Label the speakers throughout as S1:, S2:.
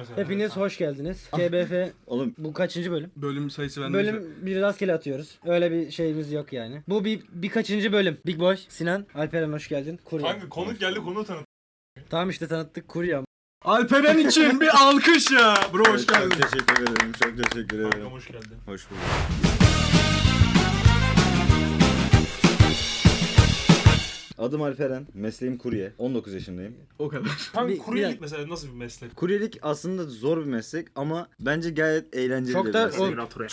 S1: mesela.
S2: Hepiniz hoş geldiniz. KBF
S3: Oğlum
S2: bu kaçıncı bölüm?
S4: Bölüm sayısı bende.
S2: Bölüm bir rastgele atıyoruz. Öyle bir şeyimiz yok yani. Bu birkaçıncı bölüm. Big Boy, Sinan, Alperen hoş geldin. Kurye.
S1: Kanka konuk geldi, konuğu tanıt.
S2: Tamam işte tanıttık Kurye.
S4: Alperen için bir alkış ya. Bro hoş
S3: evet,
S4: geldin.
S3: çok teşekkür ederim. Çok teşekkür ederim.
S1: Kankam hoş geldin.
S3: Hoş bulduk. Adım Alperen, mesleğim kurye. 19 yaşındayım.
S4: O kadar.
S1: Kanka
S2: Bir-
S1: kuryelik
S2: bir-
S1: mesela nasıl bir meslek?
S3: Kuryelik aslında zor bir meslek ama bence gayet eğlenceli
S2: Çok
S3: bir
S2: da
S3: meslek.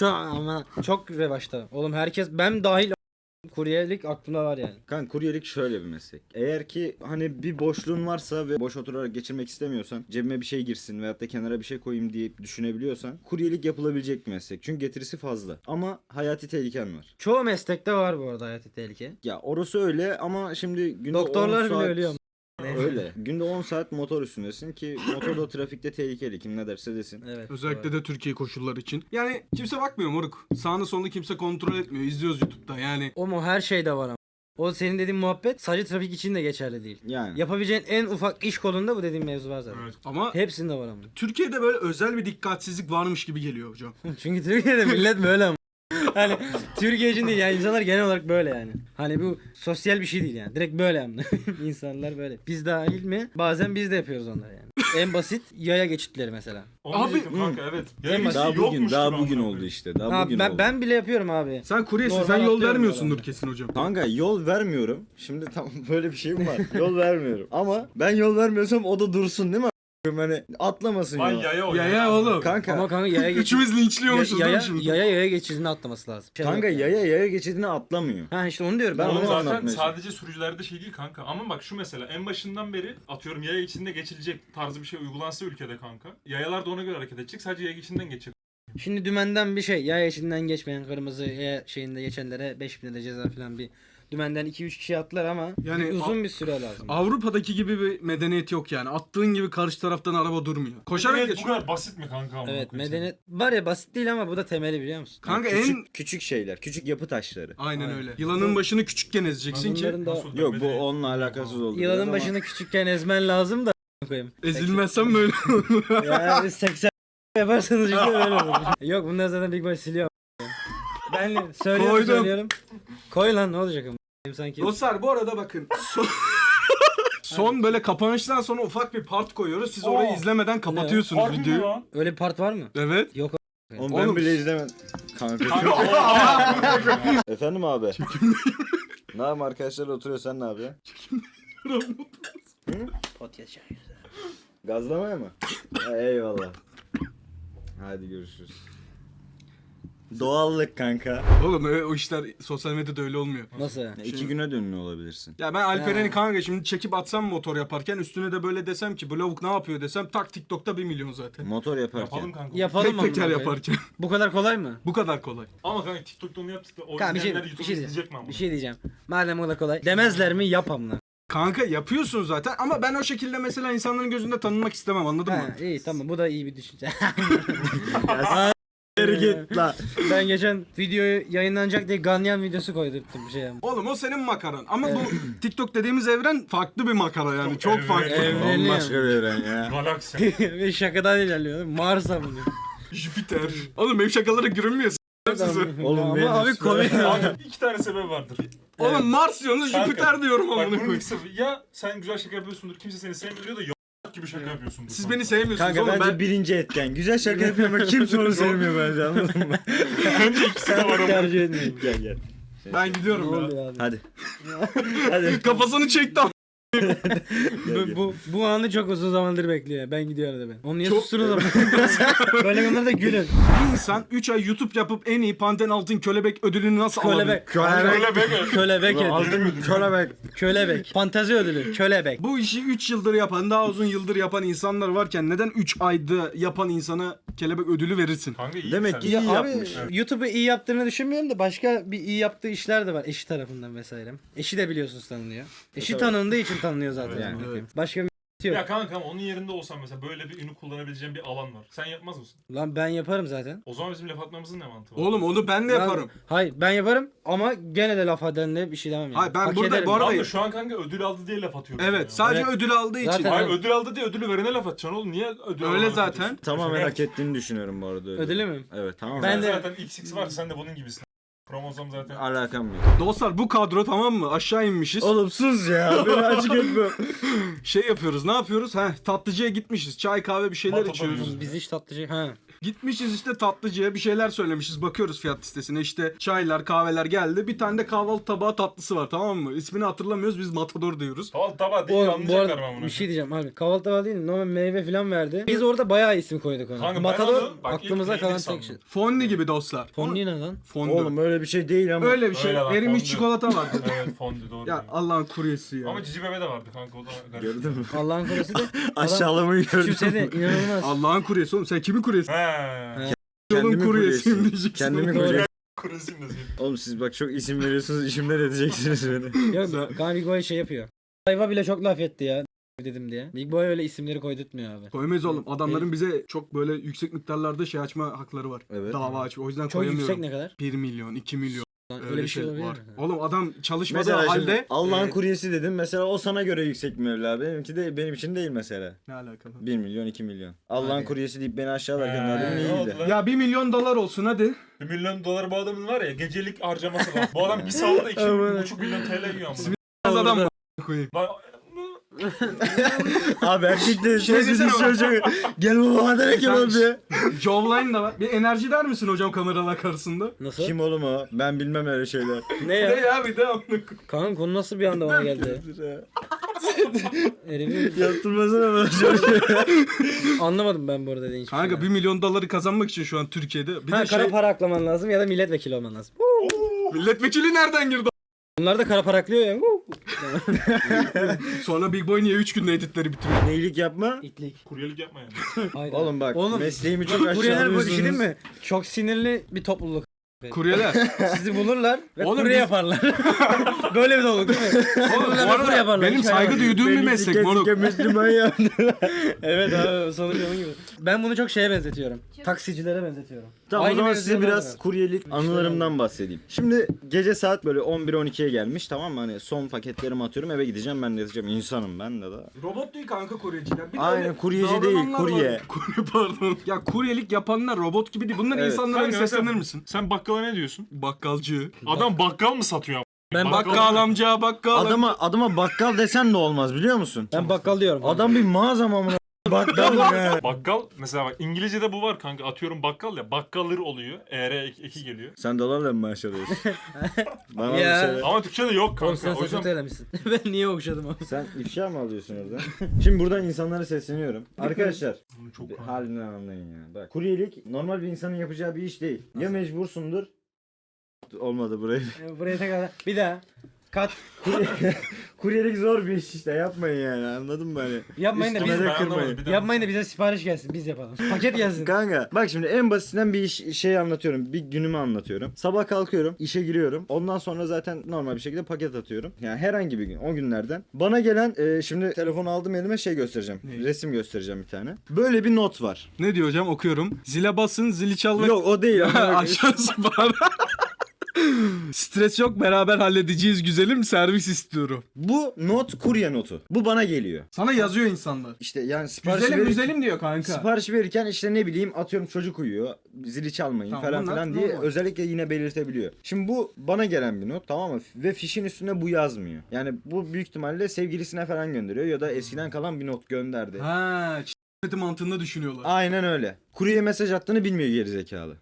S2: çok revaçta. Oğlum herkes ben dahil kuryelik aklımda var yani.
S3: Kanka kuryelik şöyle bir meslek. Eğer ki hani bir boşluğun varsa ve boş oturarak geçirmek istemiyorsan, cebime bir şey girsin veyahut da kenara bir şey koyayım diye düşünebiliyorsan kuryelik yapılabilecek bir meslek. Çünkü getirisi fazla. Ama hayati tehliken var.
S2: Çoğu meslekte var bu arada hayati tehlike.
S3: Ya orası öyle ama şimdi günde
S2: Doktorlar
S3: 10
S2: bile
S3: saat...
S2: ölüyor.
S3: Öyle. Günde 10 saat motor üstündesin ki motor da trafikte tehlikeli. Kim ne derse desin.
S2: Evet.
S4: Özellikle de Türkiye koşulları için. Yani kimse bakmıyor moruk. Sağını solunu kimse kontrol etmiyor. İzliyoruz YouTube'da yani.
S2: O mu her şeyde var ama. O senin dediğin muhabbet sadece trafik için de geçerli değil.
S3: Yani.
S2: Yapabileceğin en ufak iş kolunda bu dediğim mevzu var zaten.
S1: Evet.
S4: Ama
S2: Hepsinde var ama.
S4: Türkiye'de böyle özel bir dikkatsizlik varmış gibi geliyor hocam.
S2: Çünkü Türkiye'de millet böyle ama. Hani Türkiye için değil yani insanlar genel olarak böyle yani. Hani bu sosyal bir şey değil yani. Direkt böyle yani. İnsanlar böyle. Biz dahil mi? Bazen biz de yapıyoruz onları yani. En basit yaya geçitleri mesela.
S1: Onu
S4: Abi-
S1: diyecektim kanka evet. Yani
S2: Daha
S3: Daha bugün,
S1: yokmuş
S3: daha
S1: gibi
S3: bugün
S1: amına
S3: oldu
S1: koyayım.
S3: işte. Daha
S2: Ha,
S3: bugün
S2: ben,
S3: oldu.
S2: ben bile yapıyorum abi.
S4: Sen kuryesin,
S2: Normal
S4: sen yol
S2: atlıyorum
S4: vermiyorsundur
S2: bu
S4: kesin hocam.
S3: Kanka yol vermiyorum. Şimdi tam böyle bir şeyim var. Yol vermiyorum. Ama ben yol vermiyorsam o da dursun değil mi? Hani atlamasın
S1: Vay
S3: yola.
S1: yaya o
S4: Ya oğlum.
S3: Kanka.
S2: Ama kanka yaya geçit.
S4: Üçümüz linçliyormuşuz değil
S2: yaya,
S4: mi şimdi?
S2: yaya geçidini atlaması lazım.
S3: Kanka yaya geçidine atlamıyor.
S2: Ha işte onu diyorum.
S3: Ben
S1: Oğlum
S3: onu
S1: zaten
S3: anlatmaya
S1: sadece sürücülerde şey değil kanka. Ama bak şu mesela en başından beri atıyorum yaya içinde geçilecek tarzı bir şey uygulansa ülkede kanka. Yayalar da ona göre hareket edecek. Sadece yaya içinden geçecek.
S2: Şimdi dümenden bir şey. Yaya geçidinden geçmeyen kırmızı yaya şeyinde geçenlere 5.000 lira ceza falan bir. Dümenden 2-3 kişi atlar ama
S4: Yani
S2: uzun bir süre lazım.
S4: Avrupa'daki gibi bir medeniyet yok yani. Attığın gibi karşı taraftan araba durmuyor. Koşarak
S1: Evet, bu
S4: geçiyor.
S1: kadar basit mi kanka? amına
S2: Evet
S1: koyayım
S2: medeniyet var ya basit değil ama bu da temeli biliyor musun?
S4: Kanka
S3: küçük,
S4: en...
S3: küçük şeyler, küçük yapı taşları.
S4: Aynen
S2: Aynen.
S4: öyle. Yılanın başını küçükken ezeceksin ki
S2: Bunların da
S1: Nasıl
S3: Yok bu
S1: medeniyet?
S3: onunla alakasız oldu.
S2: yılanın
S3: biraz ama-
S2: başını küçükken ezmen lazım da koyayım.
S4: ezilmezsen böyle olur.
S2: Ya 80 yaparsanız işte böyle olur. Yok bunlar zaten Big Boy siliyor. Ben söylüyorum
S4: Koydum.
S2: söylüyorum. Koy lan ne olacak ama. Sanki.
S4: Dostlar bu arada bakın. Son böyle kapanıştan sonra ufak bir part koyuyoruz. Siz orayı
S1: Oo.
S4: izlemeden kapatıyorsunuz
S1: Harbi mi
S4: videoyu.
S1: lan?
S2: Öyle bir part var mı?
S4: Evet.
S2: Yok.
S3: Oğlum ben
S4: Oğlum-
S3: bile izlemedim. Kanka.
S1: Kanka
S3: Efendim abi. Ne yapayım arkadaşlar oturuyor sen ne yapıyorsun?
S2: Podcast
S3: Gazlamaya mı? Ha, eyvallah. Hadi görüşürüz. Doğallık kanka.
S4: Oğlum o işler sosyal medyada öyle olmuyor.
S2: Nasıl?
S3: Ya, 2 güne de ünlü olabilirsin.
S4: Ya ben Alperen'i
S2: Ha.
S4: kanka şimdi çekip atsam motor yaparken üstüne de böyle desem ki bu lavuk ne yapıyor desem tak TikTok'ta 1 milyon zaten.
S3: Motor yaparken.
S1: yapalım kanka.
S2: Yapalım
S4: Tek
S2: mı?
S4: teker
S2: amına koyayım?
S4: yaparken.
S2: Bu kadar kolay mı?
S4: Bu kadar kolay.
S1: Ama kanka TikTok'ta onu yaptık da o
S2: Kanka bir şey,
S1: izleyenler
S2: bir
S1: YouTube'u
S2: şey
S1: izleyecek mi
S2: diyeceğim.
S1: ama?
S2: Bir şey diyeceğim. Madem o kadar kolay. Demezler mi yap amına.
S4: Kanka yapıyorsun zaten ama ben o şekilde mesela insanların gözünde tanınmak istemem anladın mı?
S2: Ha, iyi tamam bu da iyi bir düşünce.
S3: Git la.
S2: Ben geçen videoyu yayınlanacak diye Ganyan videosu koydurttum bir şey.
S4: Oğlum o senin makaran ama bu TikTok dediğimiz evren farklı bir makara yani çok
S1: Çok
S4: farklı.
S2: evreni.
S3: Bambaşka bir evren ya.
S1: Galaksi.
S2: Ve şakadan ilerliyor. Mars'a bunu.
S4: Jüpiter. Oğlum benim şakalara gülünmüyor sizi.
S3: Oğlum
S2: ama
S3: Venüs
S2: abi
S3: var.
S2: komik.
S1: Abi 2 tane sebep vardır.
S4: Oğlum Mars diyorsunuz
S1: Kanka,
S4: Jüpiter diyorum
S1: Bak
S4: amına
S1: bunun
S4: koyayım.
S1: ilk sebebi ya sen güzel şaka yapıyorsundur kimse seni sevmiyor da gibi şaka yapıyorsundur.
S4: Siz
S1: kanka.
S4: beni sevmiyorsunuz
S3: Kanka
S4: oğlum
S3: bence
S4: ben...
S3: birinci etken. Güzel şaka yapıyorum ama kimse onu sevmiyor bence anladın mı?
S1: Bence ikisi de var ama.
S2: Tercih etmeyin.
S3: Gel gel.
S4: Ben
S2: Ne
S4: gidiyorum ya.
S2: oluyor abi?
S3: Hadi. Hadi.
S4: Kafasını çekti ama.
S2: Bu anı çok uzun zamandır bekliyor. Ben gidiyorum da ben. Onu niye
S4: Çok-
S2: sustunuz ama? Böyle konularda gülün.
S4: Bir insan 3 ay YouTube yapıp en iyi Panten Altın Kölebek ödülünü nasıl alabilir?
S2: Kölebek.
S1: Öyle be.
S2: Kölebek ödülü.
S3: Aldın kölebek.
S2: Kölebek. Fantezi ödülü. Kölebek.
S4: Bu işi 3 yıldır yapan, daha uzun yıldır yapan insanlar varken neden 3 ayda yapan insana kelebek ödülü verirsin?
S1: Kanka iyi
S3: Demek
S1: sen.
S3: ki
S2: Ya
S3: iyi
S2: abi
S3: yapmış.
S2: YouTube'u iyi yaptığını düşünmüyorum da başka bir iyi yaptığı işler de var eşi tarafından vesaire. Eşi de biliyorsunuz tanınıyor. Eşi
S3: tabii.
S2: tanındığı için tanınıyor zaten.
S3: Yani.
S2: Yani.
S4: Evet.
S2: Başka bir Yok.
S1: Ya kanka ama onun yerinde olsam mesela böyle bir ünü kullanabileceğim bir alan var. Sen yapmaz mısın?
S2: Lan ben yaparım zaten.
S1: O zaman bizim laf atmamızın ne mantığı var?
S4: Oğlum onu ben de yaparım.
S2: Hayır ben yaparım ama gene de laf edenle bir şey demem yani.
S4: Hayır, ben
S2: Hak
S4: burada
S2: ederim.
S4: bu arada-
S1: Tamam da şu an kanka ödül aldı diye laf atıyorum.
S4: Evet,
S1: ya.
S4: sadece
S2: Evet.
S4: ödül aldığı için.
S2: Zaten-
S1: Hayır ödül aldı diye ödülü verene laf atacaksın oğlum. Niye ödül
S4: Öyle
S1: alana laf
S4: zaten.
S1: atıyorsun?
S3: Tamamen
S1: Şaka
S3: hak ettiğini düşünüyorum bu arada.
S2: Ödülü mü?
S3: Evet tamam.
S2: Ben
S1: Ben
S2: de-
S1: zaten XX var sen de bunun gibisin. Kromozom zaten.
S3: Alakam yok.
S4: Dostlar bu kadro tamam mı? Aşağı inmişiz.
S3: Oğlum sus ya. Beni açık etme.
S4: Şey yapıyoruz. Ne yapıyoruz? Tatlıcıya gitmişiz. Çay kahve bir şeyler
S1: Matador
S4: içiyoruz.
S1: yiyoruz.
S2: Biz hiç tatlıcı. Ha.
S4: Gitmişiz işte tatlıcıya bir şeyler söylemişiz. Bakıyoruz fiyat listesine işte çaylar kahveler geldi. Bir tane de kahvaltı tabağı tatlısı var tamam mı? İsmini hatırlamıyoruz biz Matador diyoruz.
S1: Tamam tamam değil
S2: Oğlum bu
S1: anlayacaklar
S2: arada
S1: ben bunu.
S2: bir şey diyeceğim abi. Kahvaltı tabağı değil normal meyve falan verdi. Biz orada bayağı isim koyduk ona.
S1: Kanka ben
S2: Matador
S1: onu- bak,
S2: aklımıza
S1: ilk
S2: kalan
S1: neydi
S2: tek şey.
S1: sandım.
S4: Fondi gibi dostlar.
S2: Fondue ne lan?
S4: Fondi.
S3: Oğlum öyle bir şey değil ama.
S4: Öyle bir şey.
S1: Öyle lan,
S4: Erimiş
S1: fondü.
S4: çikolata vardı.
S1: Evet fondü doğru.
S4: Ya
S1: Ya,
S4: Allah'ın kuryesi ya.
S1: Ama Cici Bebe de vardı kanka o da garip.
S3: Gördün mü?
S2: Allah'ın korusu da
S3: Aşağılamayı gördüm.
S2: küçümsedi inanılmaz.
S4: Allah'ın kuryesi oğlum. Sen kimin kuryesi?
S1: He.
S4: Yolun
S3: Kendimi
S4: kuryesiyim
S3: kuryesiyim.
S4: diyeceksin.
S3: Kendimi
S2: Doğru.
S3: kuryesiyim.
S1: Kurusim de
S3: Oğlum siz bak çok isim veriyorsunuz. İşimden edeceksiniz beni.
S2: Yok kanka Big Boy şey yapıyor. Ayva bile çok laf etti ya dedim diye. Big Boy öyle isimleri koydurtmuyor abi.
S4: Koyamayız oğlum. Adamların bize çok böyle yüksek miktarlarda şey açma hakları var.
S3: Evet.
S4: Dava açma. O yüzden
S2: Çok
S4: koyamıyorum.
S2: yüksek ne kadar?
S4: 1 milyon, 2 milyon.
S2: Lan öyle bir şey olabilir
S4: var.
S2: mi?
S4: Oğlum adam çalışmadığı
S3: Mesela
S4: halde...
S3: şimdi Allah'ın
S4: Ee,
S3: kuryesi dedim. Mesela o sana göre yüksek bir meblağ. Benimki de benim için değil mesela.
S4: Ne alakalı?
S3: 1 milyon 2 milyon. Allah'ın
S2: Hadi.
S3: kuryesi deyip beni aşağılarken
S1: He,
S3: adamın
S1: ne
S3: iyiydi.
S1: oldu lan?
S4: Ya 1 milyon dolar olsun hadi.
S1: 1 milyon dolar bu adamın var ya gecelik harcaması var. Bu adam bir sahurda 2,5 milyon TL yiyor ama.
S4: Az adam mı koyayım?
S1: Lan
S3: Abi erkekler
S4: Şey
S3: ses
S4: desene
S3: bir çocuk. Gel baba direkt yapalım diye.
S4: Jawline da var. Bir enerji der misin hocam kameralar karşısında?
S2: Nasıl?
S3: Kim oğlum o? Ben bilmem öyle şeyler.
S2: Ne
S4: Ne
S2: ya?
S4: ya bir de amına koyayım.
S2: Kanka konu nasıl bir anda bana geldi? Herifin
S3: Yaptırmasana bana çocuk.
S2: anlamadım ben bu arada dediğin hiçbir
S4: Kanka
S2: şey.
S4: 1 milyon doları kazanmak için şu an Türkiye'de. Bir
S2: Ha,
S4: de
S2: kara
S4: şey
S2: para aklaman lazım ya da milletvekili olman lazım.
S4: milletvekili nereden girdi?
S2: Bunlar da kara para aklıyor ya.
S4: Sonra Big Boy niye 3 günde editleri bitiriyor?
S3: Neylik yapma.
S2: İtlik.
S1: kuryelik yapma yani.
S2: Hayda.
S3: Oğlum bak
S2: Oğlum,
S3: mesleğimi çok
S2: kuryeler bu bir şey değil
S3: aşağılıyorsunuz.
S2: mi? Çok sinirli bir topluluk.
S4: Kuryeler.
S2: Sizi bulurlar ve
S4: Oğlum
S2: kurye
S4: biz-
S2: yaparlar. Böyle bir topluluk değil mi?
S4: Oğlum bu
S2: Bulurlar ve kurye
S4: arada
S2: yaparlar.
S4: benim
S2: Hiç
S4: saygı
S2: hayal-
S4: duyduğum bir
S3: Beni
S4: meslek
S3: sike
S4: moruk.
S3: sike Müslüman yaptılar.
S2: Evet abi sonuç onun gibi. Ben bunu çok şeye benzetiyorum. Taksicilere benzetiyorum.
S3: Tamam
S2: Aynı
S3: o zaman size
S2: mevzular
S3: biraz
S2: var.
S3: kuryelik anılarımdan bahsedeyim. Şimdi gece saat böyle 11-12'ye gelmiş tamam mı? Hani son paketlerimi atıyorum eve gideceğim ben de yatacağım. İnsanım ben de daha.
S4: Robot değil kanka kuryeciler. Bir de
S3: Aynen,
S4: öyle
S3: kuryeci
S4: davrananlar
S3: değil, kurye.
S4: var. Kurye pardon. Ya kuryelik yapanlar robot gibi değil. Bunlar
S3: Evet.
S4: insanlara bir
S1: Kanka
S4: seslenir
S1: sen-
S4: misin?
S1: Sen bakkala ne diyorsun?
S4: Bakkalcı.
S1: Adam bakkal mı satıyor ama?
S2: Ben
S4: Bakkal amca bakkal.
S3: Adama bakkal desen de olmaz biliyor musun?
S2: Ben bakkal diyorum.
S3: Adam bir mağaza mı amına? Bakkal ya.
S1: Bakkal mesela bak İngilizce'de bu var kanka atıyorum bakkal ya bakkalır oluyor. Eki geliyor.
S3: Sen dolarla mı maaş alıyorsun? Bana
S2: Ya.
S3: bir söyle.
S1: Ama Türkçe'de yok
S2: Oğlum sen
S1: kanka. O yüzden
S2: saçını elemişsin. Ben niye okşadım ama?
S3: Sen ifşa mı alıyorsun orada? Şimdi buradan insanlara sesleniyorum. Arkadaşlar
S1: Bunu çok
S3: bir
S1: kanka.
S3: halinden anlayın ya. Bak kuryelik normal bir insanın yapacağı bir iş değil. Ya mecbursundur. Olmadı burayı.
S2: Buraya tekrar bir daha. Kat.
S3: Kuryelik zor bir iş işte yapmayın yani anladın mı hani?
S2: Yapmayın da
S3: Üstüme
S2: biz
S3: de
S1: Ben
S3: kırmayın.
S1: anlamadım, bir daha.
S2: yapmayın da bize sipariş gelsin biz yapalım. Paket gelsin.
S3: Kanka bak şimdi en basitinden bir şey anlatıyorum. Bir günümü anlatıyorum. Sabah kalkıyorum, işe giriyorum. Ondan sonra zaten normal bir şekilde paket atıyorum. Yani herhangi bir gün o günlerden. Bana gelen şimdi telefonu aldım elime şey göstereceğim.
S4: Ne?
S3: Resim göstereceğim bir tane. Böyle bir not var.
S4: Ne diyor hocam okuyorum. Zile basın zili çalmak.
S3: Yok o değil.
S4: Aşağısı var. Stres yok beraber halledeceğiz güzelim servis istiyorum.
S3: Bu not kurye notu. Bu bana geliyor.
S4: Sana yazıyor insanlar.
S3: İşte yani sipariş
S4: Güzelim
S3: verirken,
S4: güzelim diyor kanka.
S3: sipariş verirken işte ne bileyim atıyorum çocuk uyuyor. Zili çalmayın
S4: Tamam,
S3: falan
S4: bunlar
S3: filan diye
S4: normal.
S3: özellikle yine belirtebiliyor. Şimdi bu bana gelen bir not tamam mı? Ve fişin üstünde bu yazmıyor. Yani bu büyük ihtimalle sevgilisine falan gönderiyor ya da eskiden kalan bir not gönderdi.
S4: Ha, ç***meti mantığında düşünüyorlar.
S3: Aynen öyle. Kuryeye mesaj attığını bilmiyor gerizekalı.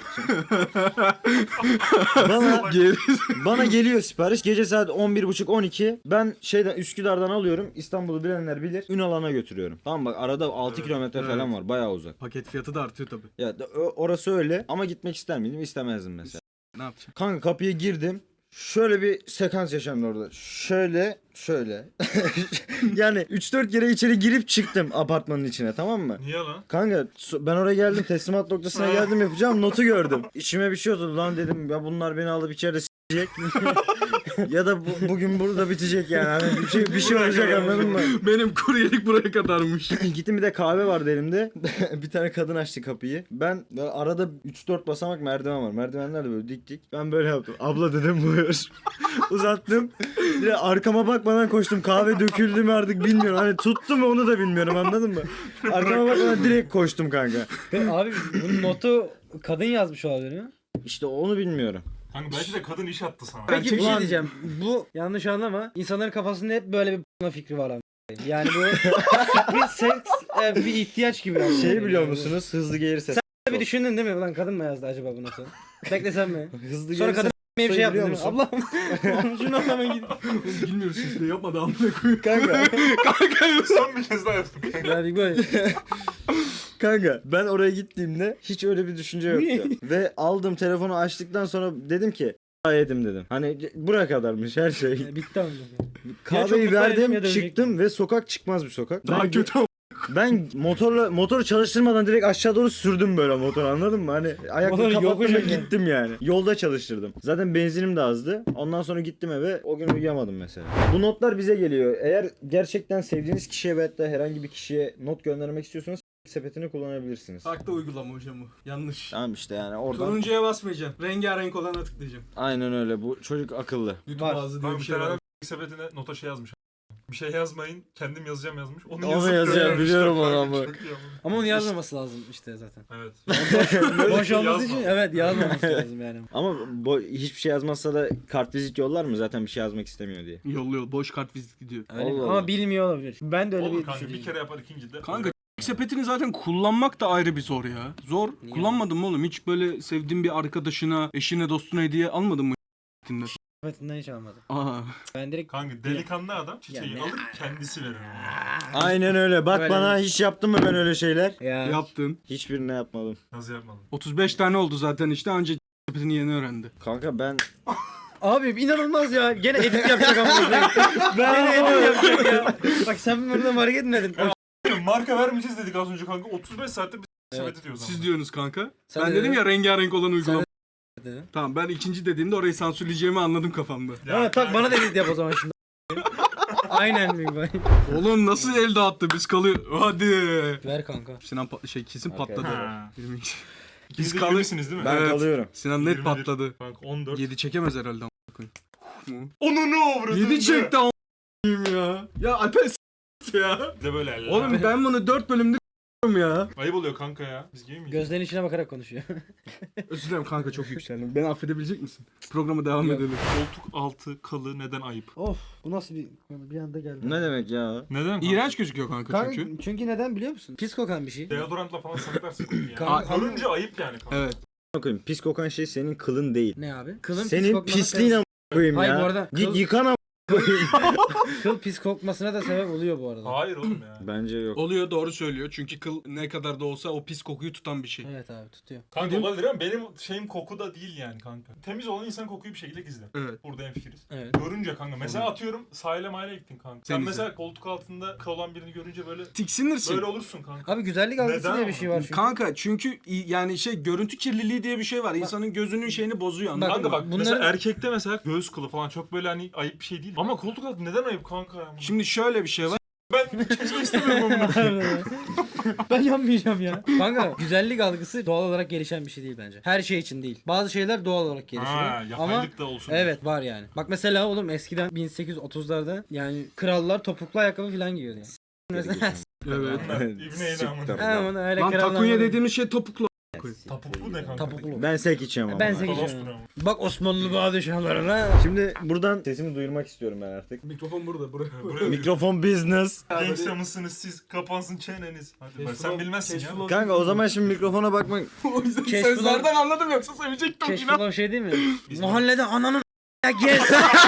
S3: bana, bana geliyor sipariş gece saat 11.30-12. Ben şeyden Üsküdar'dan alıyorum. İstanbul'u bilenler bilir. Ünalan'a götürüyorum. Tamam bak arada 6
S4: Evet,
S3: kilometre
S4: evet.
S3: falan var. Bayağı uzak.
S4: Paket fiyatı da artıyor tabii.
S3: Ya orası öyle ama gitmek ister miydim? İstemezdim mesela.
S4: Ne yapacaksın?
S3: Kanka kapıya girdim. Şöyle bir sekans yaşandı orada. Şöyle. Yani 3-4 kere içeri girip çıktım apartmanın içine tamam mı?
S1: Niye lan?
S3: Kanka ben oraya geldim teslimat noktasına geldim yapacağım notu gördüm. İçime bir şey oldu lan dedim ya bunlar beni alıp içeride ya da bugün burada bitecek yani. Hani bir şey olacak anladın mı?
S4: Benim kuryelik buraya kadarmış.
S3: Gittim bir de kahve vardı elimde. Bir tane kadın açtı kapıyı. Ben arada 3-4 basamak merdiven var. Merdivenler de böyle dik dik. Ben böyle yaptım. Abla dedim buyur. Uzattım. Bir de arkama bakmadan koştum. Kahve döküldü mü artık bilmiyorum. Hani tuttu mu onu da bilmiyorum anladın mı? Arkama bakmadan direkt koştum kanka.
S2: Abi bunun notu kadın yazmış olabilir mi?
S3: İşte onu bilmiyorum.
S1: Kanka belki de kadın iş attı sana.
S2: Peki bir şey
S3: Ulan-
S2: diyeceğim. Bu yanlış anlama. İnsanların kafasında hep böyle bir fikri var abi. Yani bu bir seks bir ihtiyaç gibi. Yani.
S3: Şey biliyor
S2: Yani bu.
S3: musunuz? Hızlı gelirse.
S2: Bir düşündün değil mi? Ulan kadın mı yazdı acaba bunu sen? Beklesem mi?
S3: Hızlı
S2: Sonra
S3: gelirse
S2: kadın bir şey yaptı
S3: biliyor
S2: değil mi?
S3: musun?
S2: Ablam şunu anlamaya git.
S4: Bilmiyoruz işte yapmadı amına koyayım.
S3: Kanka.
S1: Son bir kez daha yaptım.
S2: Yani böyle.
S3: Kanka ben oraya gittiğimde hiç öyle bir düşünce yoktu. Ve aldım telefonu açtıktan sonra dedim ki yedim dedim. Hani buraya kadarmış her şey.
S2: Bitti ama.
S3: Kahveyi
S2: mutlu edeyim
S3: verdim
S2: ya dönecek
S3: çıktım ve sokak çıkmaz bir sokak.
S4: Daha kötü ama.
S3: Ben motoru çalıştırmadan direkt aşağı doğru sürdüm böyle motoru anladın mı? Hani ayakla
S2: Motoru
S3: kapattım
S2: yokuş
S3: ve
S2: yani.
S3: gittim yani. Yolda çalıştırdım. Zaten benzinim de azdı. Ondan sonra gittim eve. O gün uyuyamadım mesela. Bu notlar bize geliyor. Eğer gerçekten sevdiğiniz kişiye veyahut da herhangi bir kişiye not göndermek istiyorsanız sepetini kullanabilirsiniz.
S4: Farklı uygulama hocam bu. Yanlış.
S3: Tamam işte yani oradan.
S4: Turuncuya basmayacaksın. Rengarenk olana tıklayacaksın.
S3: Aynen öyle. Bu çocuk akıllı.
S4: YouTube
S2: Var.
S4: ağzı diye
S1: Kanka
S4: bir
S1: bir
S4: şey
S1: tane
S4: var.
S1: adam sepetine nota şey yazmış. Bir şey yazmayın, kendim yazacağım yazmış. Onu
S3: Onu
S1: yazıp
S3: yazacağım,
S1: göndermişler
S3: biliyorum onu
S1: kanka,
S3: ama.
S1: çok iyi ama.
S2: Ama onu yazmaması lazım işte zaten.
S1: Evet.
S2: Boş olması için
S1: Yazma.
S2: evet yazmaması lazım yani.
S3: Ama hiçbir şey yazmazsa da kartvizit yollar mı? Zaten bir şey yazmak istemiyor diye.
S4: Yolluyor. Boş kart vizit gidiyor.
S2: Öyle mi?
S3: Allah
S2: Ama
S3: Allah.
S2: bilmiyor olabilir. Ben de öyle
S1: Olur
S2: bir
S1: kanka bir
S2: düşünceyim.
S1: kere yapar ikincide.
S4: Kanka sepetini zaten kullanmak da ayrı bir zor ya. Zor.
S2: Niye?
S4: Kullanmadın mı oğlum? Hiç böyle sevdiğin bir arkadaşına, eşine, dostuna hediye almadın mı?
S2: Sepetinden hiç almadım.
S4: Aa.
S2: Ben direkt
S1: Kanka delikanlı adam çiçeği
S2: Yani-
S1: alır kendisi verir.
S3: Aynen öyle. Bak
S2: Böyle
S3: bana hiç yaptın mı ben öyle şeyler?
S2: ya.
S4: Yaptın.
S3: Hiçbirine yapmadım.
S1: Nasıl yapmadım?
S4: 35 tane oldu zaten işte anca sepetini yeni öğrendi.
S3: Kanka ben
S2: Abi inanılmaz ya. Gene edit yapacak ama. Gene edit yapacak ya. Bak sen burada fark etmedin.
S1: Marka vermeyeceğiz dedik az önce kanka. 35 saatte biz
S2: Evet.
S1: sepeti diyoruz
S4: Siz
S1: ama.
S4: diyorsunuz kanka.
S2: Sen
S4: ben
S2: de
S4: dedim
S2: dedin.
S4: ya rengarenk olan uygulama.
S2: Dedin.
S4: Tamam ben ikinci dediğimde orayı sansürleyeceğimi anladım kafamda.
S2: Ha, tak bana da edit yap o zaman şimdi. Aynen mi bay?
S4: Oğlum nasıl el dağıttı biz kalıyor. Hadi.
S2: Ver kanka.
S4: Sinan kesin
S3: Okey.
S4: patladı.
S1: Ha.
S4: 22.
S1: İkiniz
S4: Biz
S1: de
S4: kalır.
S1: gülüyorsunuz değil mi?
S3: ben
S4: Evet.
S3: kalıyorum.
S4: Sinan net
S1: 21.
S4: patladı.
S1: Kanka 14.
S4: 7 çekemez herhalde.
S1: Onu ne avradın
S4: 7 çekti a**ayım ya. Ya Alper s**t ya.
S1: Bir de böyle eller.
S4: Oğlum ben bunu 4 bölümde ya.
S1: Ayıp oluyor kanka ya. Biz gibi miyiz?
S2: Gözlerinin içine bakarak konuşuyor.
S4: Özür dilerim kanka çok yükseldim. Beni affedebilecek misin? Programa devam
S2: Yok.
S4: edelim.
S1: Koltuk altı kalı neden ayıp?
S2: Of bu nasıl bir anda geldi.
S3: Ne demek ya?
S1: Neden kanka?
S4: İğrenç gözüküyor kanka
S2: Kanka,
S4: çünkü.
S2: çünkü neden biliyor musun? Pis kokan bir şey.
S1: Deodorantla falan saklarsın kokuyu ya.
S2: Kanka-
S1: Görünce ayıp yani kanka.
S4: Evet.
S3: Koyayım. Pis kokan şey senin kılın değil.
S2: Ne abi? Kılın pis
S3: Senin
S2: kokmasına
S3: pisliğin
S2: sebep-
S3: am koyayım
S2: Hayır,
S3: ya.
S2: bu arada
S3: Git
S2: kıl-
S3: yıkan am koyayım.
S2: Kıl pis kokmasına da sebep oluyor bu arada.
S1: Hayır oğlum ya.
S3: Bence yok.
S4: Oluyor doğru söylüyor. Çünkü kıl ne kadar da olsa o pis kokuyu tutan bir şey.
S2: Evet abi tutuyor.
S1: Kanka olabilir ama benim şeyim koku da değil yani kanka. Temiz olan insan kokuyu bir şekilde gizler.
S4: Evet.
S1: Burada hemfikiriz.
S2: Evet.
S1: Görünce kanka. Mesela atıyorum sahile maile gittin kanka. Sen
S4: Denize.
S1: mesela koltuk altında kıl olan birini görünce böyle
S4: Tiksinirsin.
S1: böyle olursun kanka.
S2: Abi güzellik algısı
S1: Neden
S2: diye bir
S1: ama?
S2: şey var çünkü.
S4: Kanka çünkü yani görüntü kirliliği diye bir şey var. İnsanın gözünün şeyini bozuyor anladın
S1: Kanka
S4: mı?
S1: bak
S2: Bunları-
S1: mesela erkekte mesela göğüs kılı falan çok böyle hani ayıp bir şey değil. Ama koltuk altı neden ayıp kanka ya?
S4: Şimdi şöyle bir şey var.
S1: Ben kesmek istemiyorum bunu.
S2: Ben yanmayacağım ya. Kanka güzellik algısı doğal olarak gelişen bir şey değil bence. Her şey için değil. Bazı şeyler doğal olarak gelişiyor.
S1: Ha,
S2: Ama
S1: yapaylık da olsun.
S2: evet var yani. Bak mesela oğlum eskiden 1830'larda yani krallar topuklu ayakkabı falan giyiyordu yani. Mesela
S4: Evet.
S1: İbne eylem.
S2: hemen öyle
S4: Lan
S2: krallar.
S4: takunya dediğimiz şey topuklu.
S1: Tapuklu ne kanka?
S2: Topuklu.
S3: Ben sek içiyorum ama.
S2: Ben sek
S1: Kolostur
S2: içiyorum.
S1: ama.
S2: Bak Osmanlı padişahlarına.
S3: Şimdi buradan sesimi duyurmak istiyorum ben artık.
S4: Mikrofon burada. Buraya.
S1: Buraya
S3: Mikrofon business.
S1: Gangsta mısınız siz? Kapansın çeneniz. Hadi bak sen bilmezsin ya.
S3: Kanka o zaman şimdi mikrofona bakmak.
S4: O yüzden
S2: Keşke
S4: sözlerden anladım yoksa sevecektim
S2: Keşke
S4: inan.
S2: olan şey değil mi? Mahallede ananın gez.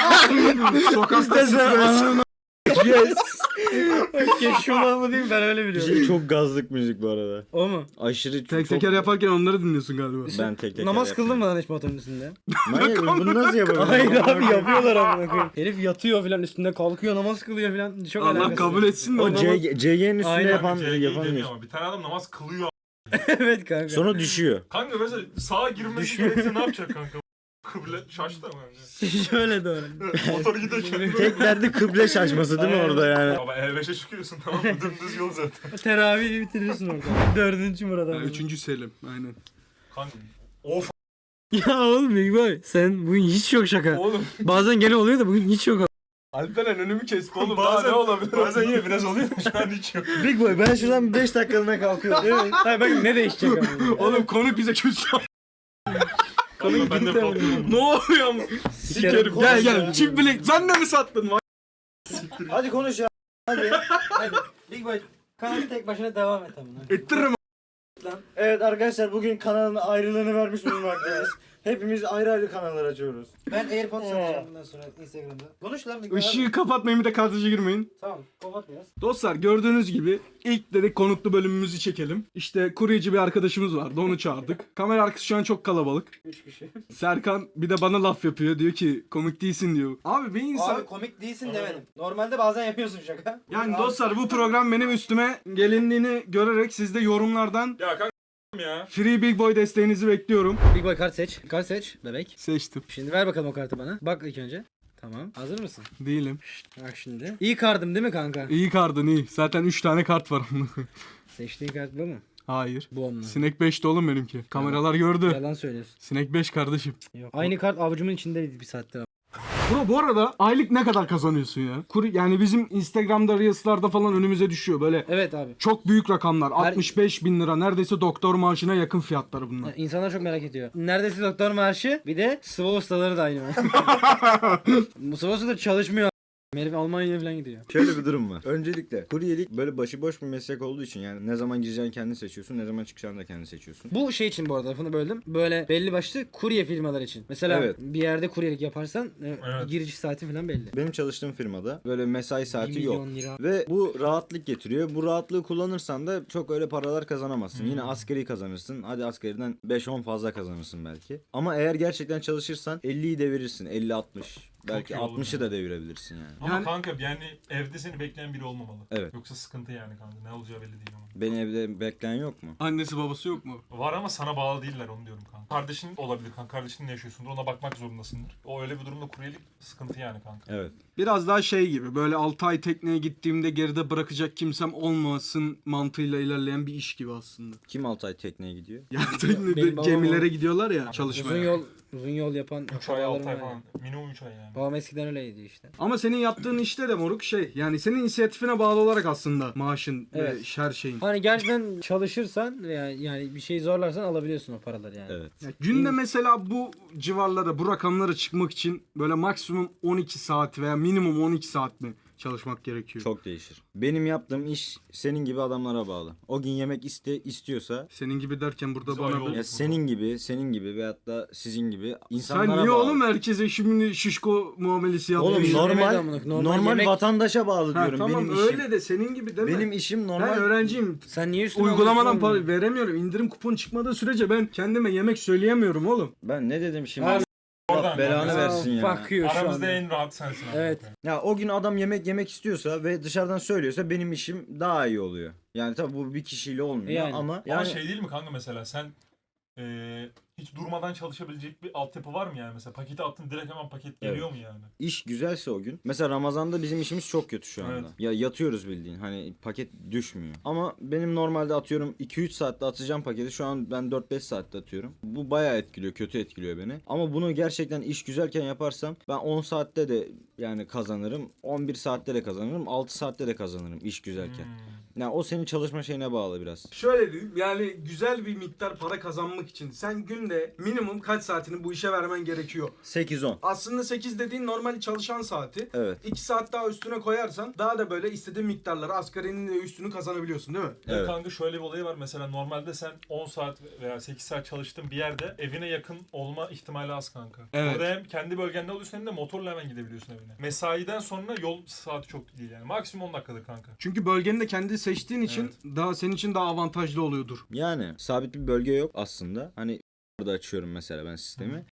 S4: Sokakta stres.
S3: Yes.
S2: Keşke olan mı değil mi? Ben öyle
S3: Bir
S2: biliyorum.
S3: şey çok gazlık müzik bu arada.
S2: O mu?
S3: Aşırı
S4: Tek
S3: çok...
S4: teker yaparken onları dinliyorsun galiba.
S3: Ben tek teker
S2: Namaz
S3: yapıyorum.
S2: kıldın mı lan hiç motorun üstünde?
S3: Manyak bunu nasıl yapabilirim?
S2: Hayır abi yapıyorlar amına koyayım. Herif yatıyor filan üstünde kalkıyor namaz kılıyor filan. Çok
S4: Allah
S2: alakasız.
S4: kabul etsin de
S3: O
S4: o
S3: CG'nin üstüne
S2: Aynen.
S3: yapan
S1: CG'yi
S3: yapan
S1: demiyor
S3: bir.
S1: ama bir tane adam namaz kılıyor.
S2: Evet kanka.
S3: Sonra düşüyor.
S1: Kanka mesela sağa girmesi
S2: Düşmüyor.
S1: gerekse ne yapacak kanka? Kıble şaştı ama.
S2: Şöyle doğru.
S1: Motor giderken.
S3: Tek derdi kıble şaşması değil mi orada yani?
S1: Baba E5'e çıkıyorsun tamam mı? Dümdüz yol zaten.
S2: Teravihi bitirirsin orada. 4. Murat abi.
S4: 3. Selim aynen.
S1: Kanka. Of
S2: Ya oğlum Big Boy sen bugün hiç yok şaka.
S1: oğlum.
S2: Bazen gene oluyor da bugün hiç yok.
S4: Alperen önümü kesti oğlum.
S1: Bazen
S4: Daha ne olabilir?
S1: Bazen yine biraz oluyor da şu an hiç yok.
S3: Big Boy ben şuradan 5 dakikalığına kalkıyorum. Evet.
S2: Hayır bakın ne değişecek ama.
S4: Oğlum konuk bize küstü.
S1: Kanka ben de korkuyorum.
S4: Ne oluyor ama? Sikerim. Gel gel. Çift bilek. Sen de mi sattın? Vay.
S3: Hadi konuş ya. Hadi.
S2: Hadi Big Boy kanalı tek başına devam et amına.
S4: Ettiririm.
S3: Evet arkadaşlar bugün kanalın ayrılığını vermiş bulunmaktayız. Hepimiz ayrı ayrı kanallar açıyoruz.
S2: Ben AirPods satacağım bundan sonra Instagram'da. Konuş lan Big Boy.
S4: Işığı kapatmayın bir de kadraja girmeyin.
S2: Tamam kapat biraz.
S4: Dostlar gördüğünüz gibi ilk dedik konuklu bölümümüzü çekelim. İşte kuryeci bir arkadaşımız vardı onu çağırdık. Kamera arkası şu an çok kalabalık.
S2: 3 kişi.
S4: Serkan bir de bana laf yapıyor diyor ki komik değilsin diyor. Abi bir insan...
S2: Abi komik değilsin demedim. Normalde bazen yapıyorsun şaka.
S4: Yani
S2: Abi,
S4: dostlar bu program benim üstüme gelindiğini görerek siz de yorumlardan
S1: Ya kanka ya.
S4: Free Big Boy desteğinizi bekliyorum.
S2: Big Boy kart seç. Kart seç bebek.
S4: Seçtim.
S2: Şimdi ver bakalım o kartı bana. Bak ilk önce. Tamam. Hazır mısın?
S4: Değilim.
S2: Bak şimdi. İyi kartım değil mi kanka?
S4: İyi kardın iyi. Zaten 3 tane kart var.
S2: Seçtiğin kart bu mu?
S4: Hayır.
S2: Bu onunla.
S4: Sinek 5'te oğlum benimki. Kameralar gördü.
S2: Yalan söylüyorsun.
S4: Sinek 5 kardeşim.
S2: Yok. Aynı kart avucumun içindeydi bir saattir.
S4: Bro bu arada aylık ne kadar kazanıyorsun ya? Yani bizim Instagram'da Reels'larda falan önümüze düşüyor böyle
S2: Evet abi.
S4: çok büyük rakamlar. 65 bin lira neredeyse doktor maaşına yakın fiyatları bunlar.
S2: İnsanlar çok merak ediyor. Neredeyse doktor maaşı bir de sıvı ustaları da aynı. Bu sıvı ustaları çalışmıyor. Herif Almanya'ya falan gidiyor.
S3: Şöyle bir durum var. Öncelikle kuryelik böyle başıboş bir meslek olduğu için yani ne zaman gireceğini kendin seçiyorsun, ne zaman çıkacağını da kendin seçiyorsun.
S2: Bu şey için bu arada lafını böldüm. Böyle belli başlı kurye firmalar için. Mesela
S3: Evet.
S2: bir yerde kuryelik yaparsan
S1: Evet.
S2: giriş saati falan belli.
S3: Benim çalıştığım firmada böyle mesai
S2: 1
S3: saati yok.
S2: milyon lira.
S3: Ve bu rahatlık getiriyor. Bu rahatlığı kullanırsan da çok öyle paralar kazanamazsın. Yine asgari kazanırsın. Hadi asgariden 5-10 fazla kazanırsın belki. Ama eğer gerçekten çalışırsan 50'yi devirirsin. 50-60. Belki
S1: iyi olur
S3: 60'ı da devirebilirsin yani.
S1: Ama
S4: Yani-
S1: kanka yani evde seni bekleyen biri olmamalı.
S3: Evet.
S1: Yoksa sıkıntı yani kanka. Ne olacağı belli değil ama.
S3: Beni evde bekleyen yok mu?
S4: Annesi babası yok mu?
S1: Var ama sana bağlı değiller onu diyorum kanka. Kardeşin olabilir kanka. Kardeşinle yaşıyorsundur. Ona bakmak zorundasındır. O öyle bir durumda kuryelik sıkıntı yani kanka.
S3: Evet.
S4: Biraz daha şey gibi böyle 6 ay tekneye gittiğimde geride bırakacak kimsem olmasın mantığıyla ilerleyen bir iş gibi aslında.
S3: Kim Altay tekneye gidiyor?
S4: Yani
S2: Benim
S4: teknede
S2: babam
S4: gemilere
S2: o-
S4: gidiyorlar ya çalışmaya.
S2: Uzun yol yapan
S1: 3 ay 6 ay
S2: akrabalarım var
S1: falan.
S2: yani.
S1: Minimum 3 ay yani.
S2: Babam eskiden öyleydi işte.
S4: Ama senin yaptığın işte de moruk şey yani senin inisiyatifine bağlı olarak aslında maaşın
S2: Evet.
S4: ve her şeyin.
S2: Hani gerçekten çalışırsan veya yani bir şey zorlarsan alabiliyorsun o paraları yani.
S3: Evet.
S4: Ya günde mesela bu civarlara bu rakamlara çıkmak için böyle maksimum 12 saat veya minimum 12 saat mi çalışmak gerekiyor?
S3: Çok değişir. Benim yaptığım iş senin gibi adamlara bağlı. O gün yemek istiyorsa
S4: Senin gibi derken burada
S1: Biz
S4: bana
S1: ayrı
S4: bir...
S1: olduk.
S3: ya senin gibi veyahut da sizin gibi insanlara
S4: Sen niye
S3: bağlı.
S4: oğlum herkese şimdi şişko muamelesi
S3: Oğlum
S4: yapıyorsun?
S2: Yemek
S3: normal
S2: amına koyayım,
S3: normal,
S2: yemek-
S3: vatandaşa bağlı
S4: Ha,
S3: diyorum.
S4: tamam
S3: benim işim.
S4: öyle de senin gibi deme.
S3: Benim işim
S4: Ben
S3: normal.
S4: öğrenciyim.
S2: Sen niye üstüne
S4: Uygulamadan
S2: alıyorsun
S4: para veremiyorum. İndirim kupon çıkmadığı sürece ben kendime yemek söyleyemiyorum oğlum.
S3: Ben ne dedim şimdi?
S2: Abi,
S3: Allah belanı
S1: yani.
S3: versin ya.
S2: Fuck you şu
S1: Aramızda
S2: anda.
S1: en rahat sensin abi.
S2: Evet.
S3: Ya o gün adam yemek istiyorsa ve dışarıdan söylüyorsa benim işim daha iyi oluyor. Yani tabii bu bir kişiyle olmuyor
S2: Yani.
S3: ama
S1: Ama
S3: yani
S1: şey değil mi kanka mesela sen hiç durmadan çalışabilecek bir altyapı var mı yani mesela paketi attın direkt hemen paket geliyor mu yani?
S3: iş güzelse o gün. Mesela Ramazan'da bizim işimiz çok kötü şu anda.
S1: Evet.
S3: Ya yatıyoruz bildiğin. Hani paket düşmüyor. Ama benim normalde atıyorum 2-3 saatte atacağım paketi. Şu an ben 4-5 saatte atıyorum. Bu bayağı etkiliyor. Kötü etkiliyor beni. Ama bunu gerçekten iş güzelken yaparsam ben 10 saatte de yani kazanırım. 11 saatte de kazanırım. 6 saatte de kazanırım iş güzelken. Yani o senin çalışma şeyine bağlı biraz.
S4: Şöyle diyeyim yani güzel bir miktar para kazanmak için sen günde minimum kaç saatini bu işe vermen gerekiyor?
S3: 8-10.
S4: Aslında 8 dediğin normal çalışan saati.
S3: Evet.
S4: 2 saat daha üstüne koyarsan daha da böyle istediğin miktarları asgarinin de üstünü kazanabiliyorsun değil mi?
S1: Evet.
S3: Evet.
S1: Kanka şöyle bir olayı var mesela normalde sen 10 saat veya 8 saat çalıştığın bir yerde evine yakın olma ihtimali az kanka.
S4: Evet.
S1: Orada hem kendi bölgende oluyorsun hem de motorla hemen gidebiliyorsun evine. Mesaiden sonra yol saati çok değil yani. Maksimum 10 dakikadır kanka.
S4: Çünkü bölgeni de kendi seçtiğin için daha senin için daha avantajlı oluyordur.
S3: Yani sabit bir bölge yok aslında. Hani burada açıyorum mesela ben sistemi.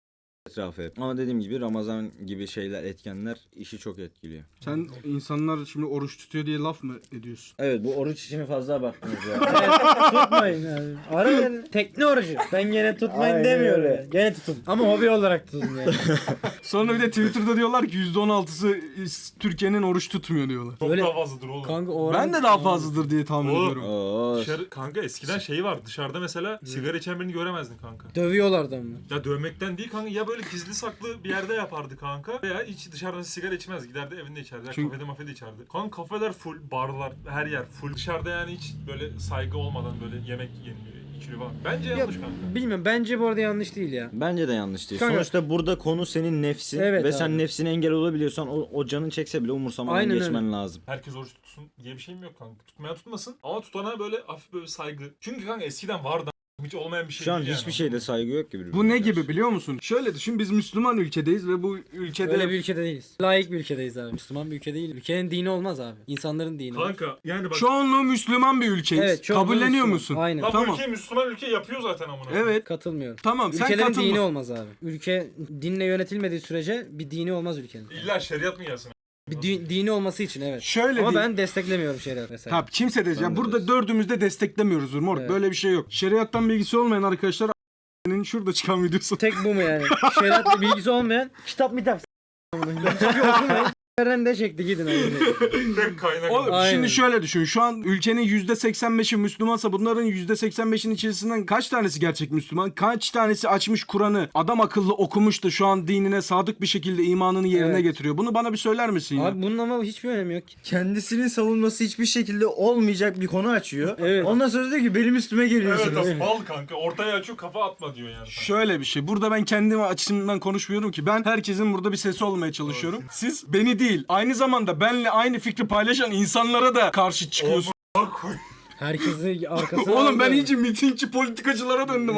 S3: etrafı hep. Ama dediğim gibi Ramazan gibi şeyler, etkenler işi çok etkiliyor.
S4: Sen insanlar şimdi oruç tutuyor diye laf mı ediyorsun?
S3: Evet, bu oruç işine fazla abarttınız ya.
S2: Tutmayın abi. Ara tekne orucu. Ben gene tutmayın
S3: Aynen
S2: demiyorum.
S3: öyle.
S2: Yani. Gene tutun. Ama hobi olarak tutun yani.
S4: Sonra bir de Twitter'da diyorlar ki %16'sı Türkiye'nin oruç tutmuyor diyorlar.
S1: Çok
S2: Öyle-
S1: daha fazladır oğlum.
S2: Kanka oran...
S4: Ben de daha fazladır diye tahmin
S1: Oğlum.
S4: ediyorum.
S3: Oo.
S1: Dışarı, kanka eskiden şey var. Dışarıda mesela sigara içen birini göremezdin kanka.
S2: Dövüyorlardı ama.
S1: Ya dövmekten değil kanka, ya böyle gizli saklı bir yerde yapardı kanka veya hiç dışarıdan sigara içmez, giderdi evinde içerdi ya
S4: Çünkü-
S1: kafede mafede içerdi. Kanka kafeler full, barlar her yer full, dışarıda yani hiç böyle saygı olmadan böyle yemek yeniliyor, içiliyor falan. Bence yanlış kanka.
S2: Bilmiyorum, bence bu arada yanlış değil ya.
S3: Bence de yanlış değil.
S2: Kanka-
S3: Sonuçta burada konu senin nefsin
S2: Evet
S3: ve
S2: abi.
S3: sen nefsine engel olabiliyorsan o canın çekse bile umursamadan
S2: Aynen
S3: geçmen lazım.
S1: Herkes oruç tutsun diye bir şeyim yok kanka. Tutmaya tutmasın ama tutana böyle hafif böyle saygı. Çünkü kanka eskiden vardı, hiç olmayan bir şey
S3: Şu an
S1: değil
S3: hiçbir
S1: yani.
S3: şeyde saygı yok gibi.
S4: Bu ne gibi biliyor musun? Şöyle düşün, biz Müslüman ülkedeyiz ve bu ülkede...
S2: Öyle bir ülkede değiliz. Layık bir ülkedeyiz abi. Müslüman bir ülke değil. Ülkenin dini olmaz abi. İnsanların dini. var.
S1: Kanka yani bak.
S4: Çoğunluğu Müslüman bir ülkeyiz.
S2: Evet, çoğunluğu
S4: Kabulleniyor
S2: Müslüman.
S4: musun?
S2: Aynen.
S1: Lan bu
S4: Tamam.
S1: ülke Müslüman ülke yapıyor zaten amına.
S4: Evet.
S2: Katılmıyorum.
S4: Tamam sen
S2: Ülkelerin
S4: katılma.
S2: dini olmaz abi. Ülke dinle yönetilmediği sürece bir dini olmaz ülkenin.
S1: İlla şeriat mı gelsin?
S2: Bir dini olması için evet.
S4: Şöyle
S2: Ama
S4: değil.
S2: ben desteklemiyorum şeriat mesela.
S4: Ha, kimse de ya
S3: Ben de
S4: burada dördümüz de desteklemiyoruz moruk.
S2: Evet.
S4: Böyle bir şey yok. Şeriattan bilgisi olmayan arkadaşlar a**'nin şurada çıkan videosu.
S2: Tek bu mu yani? Şeriatla bilgisi olmayan kitap mitap. Hiçbir okumayın. De çekti gidin abi.
S1: Tek kaynak.
S4: Oğlum
S2: Aynen.
S4: şimdi şöyle düşün. Şu an ülkenin %85'i Müslümansa bunların %85'in içerisinden kaç tanesi gerçek Müslüman? Kaç tanesi açmış Kur'an'ı adam akıllı okumuş da şu an dinine sadık bir şekilde imanını yerine
S2: Evet.
S4: getiriyor? Bunu bana bir söyler misin ya?
S2: Abi bunun ama hiçbir önemi yok ki.
S3: Kendisinin savunması hiçbir şekilde olmayacak bir konu açıyor.
S2: Evet.
S3: Ondan sonra diyor ki benim üstüme
S1: Evet
S3: geliyorsunuz.
S1: abi mal kanka. Ortaya açıyor, kafa atma diyor yani.
S4: Şöyle bir şey. Burada ben kendim açımdan konuşmuyorum ki. Ben herkesin burada bir sesi olmaya çalışıyorum. Siz beni değil, aynı zamanda benle aynı fikri paylaşan insanlara da karşı çıkıyorsunuz.
S1: Bak koy.
S2: Herkesi arkasına
S4: Oğlum ben
S2: aldı.
S4: iyice mitingçi politikacılara döndüm.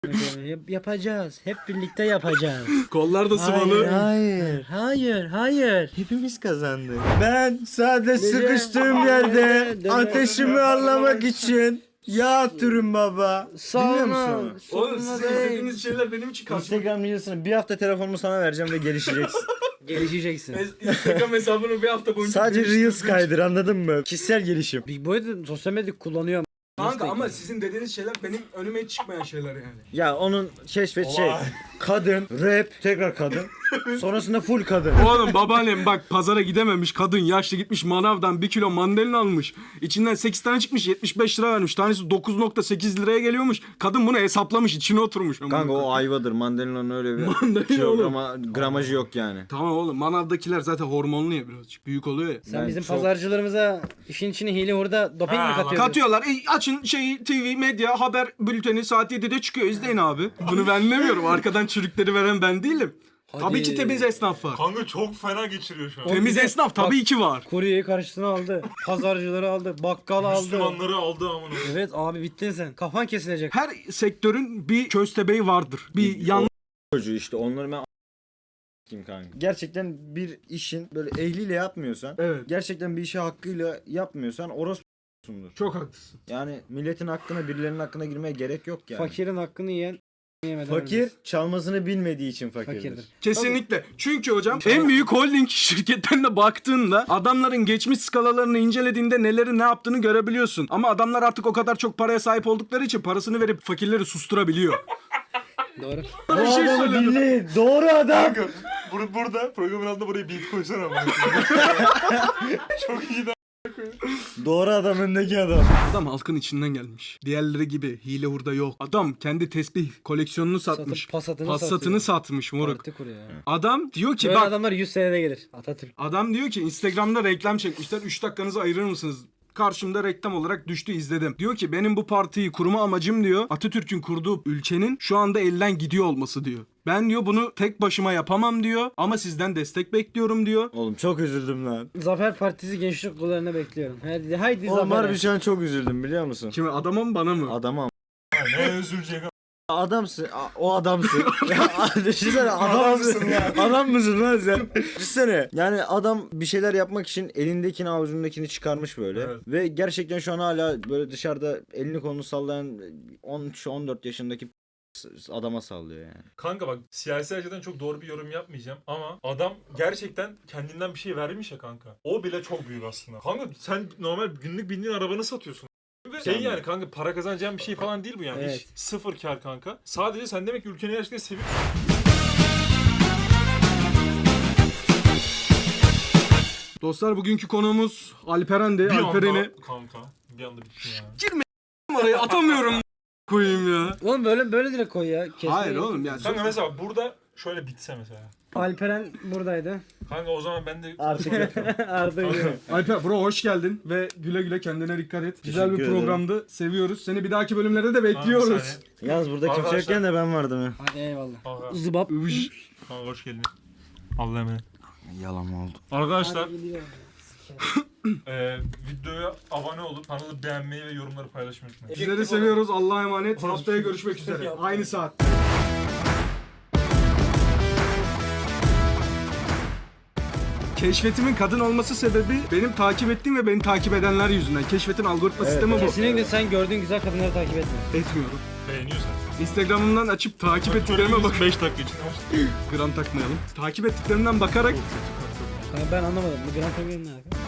S2: Yapacağız. Hep birlikte yapacağız.
S4: Kollar da sıvalı.
S3: Hayır.
S2: Hayır, hayır.
S3: Hepimiz kazandık. Ben sadece
S2: Nece?
S3: sıkıştığım yerde
S2: Dede.
S3: ateşimi anlamak için yağ atıyorum baba. Biliyor musun?
S4: Oğlum sizin izlediğiniz şeyler benim için karşıma.
S3: Instagram Reels'ını bir hafta telefonumu sana vereceğim ve gelişeceksin.
S2: Gelişeceksin.
S4: Instagram hesabını bir hafta boyunca
S3: Sadece
S4: geliştirdim.
S3: Reels kaydır, anladın mı? Kişisel gelişim.
S2: Big Boy da sosyal medya kullanıyor.
S4: Kanka ama sizin dediğiniz şeyler benim önüme hiç çıkmayan şeyler yani.
S3: Ya onun keşfet şey.
S1: Vay.
S3: Kadın, rap, tekrar kadın. Sonrasında full kadın.
S4: Oğlum babaannem bak pazara gidememiş kadın yaşlı gitmiş manavdan 1 kilo mandalina almış. İçinden 8 tane çıkmış 75 lira vermiş. Tanesi 9,8 liraya geliyormuş. Kadın bunu hesaplamış içine oturmuş.
S3: Kanka o ayvadır. Mandalina'nın öyle bir
S4: Mandalina
S3: kilograma, gramajı yok yani.
S4: Tamam oğlum manavdakiler zaten hormonlu ya birazcık büyük oluyor ya.
S2: Sen
S3: Ben
S2: bizim
S3: çok-
S2: pazarcılarımıza işin içine hile hurda doping mi
S1: Ha,
S2: katıyorsun?
S4: Katıyorlar. Açın şeyi TV medya haber bülteni saat 7'de çıkıyor. İzleyin abi. Bunu ben demiyorum. Arkadan çürükleri veren ben değilim.
S2: Hadi.
S4: Tabii ki temiz esnaf var.
S1: Kanka çok fena geçiriyor şu an.
S4: Temiz
S2: bir de-
S4: esnaf tabii ki var.
S2: Kuryeyi karşısına aldı. Pazarcıları aldı. Bakkal aldı.
S1: Müslümanları aldı amına.
S2: Evet abi bittin sen. Kafan kesilecek.
S4: Her sektörün bir köstebeği vardır. Bir yan
S3: Çocuğu işte onları ben kim kanka. Gerçekten bir işin böyle ehliyle yapmıyorsan,
S4: Evet.
S3: gerçekten bir işi hakkıyla yapmıyorsan orospusundur.
S4: Çok haklısın.
S3: Yani milletin hakkına, birilerinin hakkına girmeye gerek yok yani.
S2: Fakirin hakkını yiyen yemeden
S3: Fakir
S2: ölmez.
S3: çalmasını bilmediği için fakirdir.
S2: Fakirdir.
S4: Kesinlikle. Çünkü hocam en büyük holding şirketlerine baktığında adamların geçmiş skalalarını incelediğinde neleri ne yaptığını görebiliyorsun. Ama adamlar artık o kadar çok paraya sahip oldukları için parasını verip fakirleri susturabiliyor.
S2: Doğru.
S3: Bu
S4: Bir şey
S3: adamı
S4: söyledim.
S3: dinleyin. Doğru adam.
S1: Kanka burada programın altında buraya beat koysana amına. Çok iyi de.
S3: Doğru adam, öndeki adam.
S4: Adam halkın içinden gelmiş. Diğerleri gibi hile hurda yok. Adam kendi tesbih koleksiyonunu satmış.
S2: Satıp Passat'ını
S4: Passat'ını
S2: satıyor.
S4: satmış moruk.
S2: Parti kuruyor ya.
S4: Adam diyor ki
S2: Böyle
S4: bak
S2: adamlar 100 senede gelir. Atatürk.
S4: adam diyor ki Instagram'da reklam çekmişler. 3 dakikanızı ayırır mısınız? Karşımda reklam olarak düştü izledim. Diyor ki benim bu partiyi kurma amacım diyor Atatürk'ün kurduğu ülkenin şu anda elden gidiyor olması diyor. Ben diyor bunu tek başıma yapamam diyor ama sizden destek bekliyorum diyor.
S3: Oğlum çok üzüldüm lan.
S2: Zafer Partisi gençlik kollarına bekliyorum. Haydi
S3: Oğlum
S2: Zafer.
S3: harbi şu an çok üzüldüm, biliyor musun?
S4: Şimdi adama mı bana mı?
S3: Adama
S1: Ne üzülecek.
S3: adamsın. O adamsın. Ya, düşünsene adamsın. Adam mısın lan sen? Düşünsene. Yani adam bir şeyler yapmak için elindekini avucundakini çıkarmış böyle.
S1: Evet.
S3: Ve gerçekten şu an hala böyle dışarıda elini kolunu sallayan 13-14 yaşındaki adama sallıyor yani.
S1: Kanka bak siyasi açıdan çok doğru bir yorum yapmayacağım ama adam gerçekten kendinden bir şey vermiş ya kanka. O bile çok büyük aslında. Kanka sen normal günlük bindiğin arabanı satıyorsun. Ve şey yani kanka para kazanacağın bir şey falan değil bu yani.
S2: Evet.
S1: Hiç sıfır kar kanka. Sadece sen demek ki ülkeni gerçekten seviyorsun.
S4: Dostlar bugünkü konuğumuz Alperen'di.
S1: Bir
S4: Alperen'i
S1: anda kanka bir anda bitti ya.
S4: oraya atamıyorum koyayım ya.
S2: Oğlum böyle direkt koy ya. Kesmeye
S4: Hayır
S2: gerek
S4: oğlum
S2: yok.
S4: ya.
S1: Kanka mesela burada şöyle bitse mesela.
S2: Alperen buradaydı.
S1: Kanka o zaman ben de
S2: Artık Arda yürüyor.
S4: Alper bro hoş geldin ve güle güle kendine dikkat et. Güzel bir
S3: Teşekkür ederim.
S4: programdı. Seviyoruz. Seni bir dahaki bölümlerde de
S1: Kanka, bir
S4: bekliyoruz.
S1: saniye.
S3: Yalnız burada kimse
S1: Arkadaşlar-
S3: yokken de ben vardım ya.
S2: Hadi eyvallah.
S1: Kanka,
S2: Zıbap.
S4: Üş.
S1: kanka hoş geldin. Allah'a emanet.
S3: Yalan oldu.
S1: Arkadaşlar
S2: Hadi gidiyor.
S1: videoya abone olup kanalı beğenmeyi ve yorumları paylaşmayı unutmayın.
S4: Sizleri seviyoruz. Allah'a emanet. Haftaya görüşmek üzere. Aynı saat. Keşfetimin kadın olması sebebi benim takip ettiğim ve beni takip edenler yüzünden. Keşfetin algoritma sistemi bu.
S2: Kesinlikle sen gördüğün güzel kadınları takip etme.
S4: Etmiyorum.
S1: Beğeniyorsan.
S4: Instagram'ımdan açıp takip ettiklerime bak.
S1: 5 dakika için.
S4: Gram takmayalım. Takip ettiklerimden bakarak
S2: Kanka ben anlamadım. Bu Grand Prix ne alaka?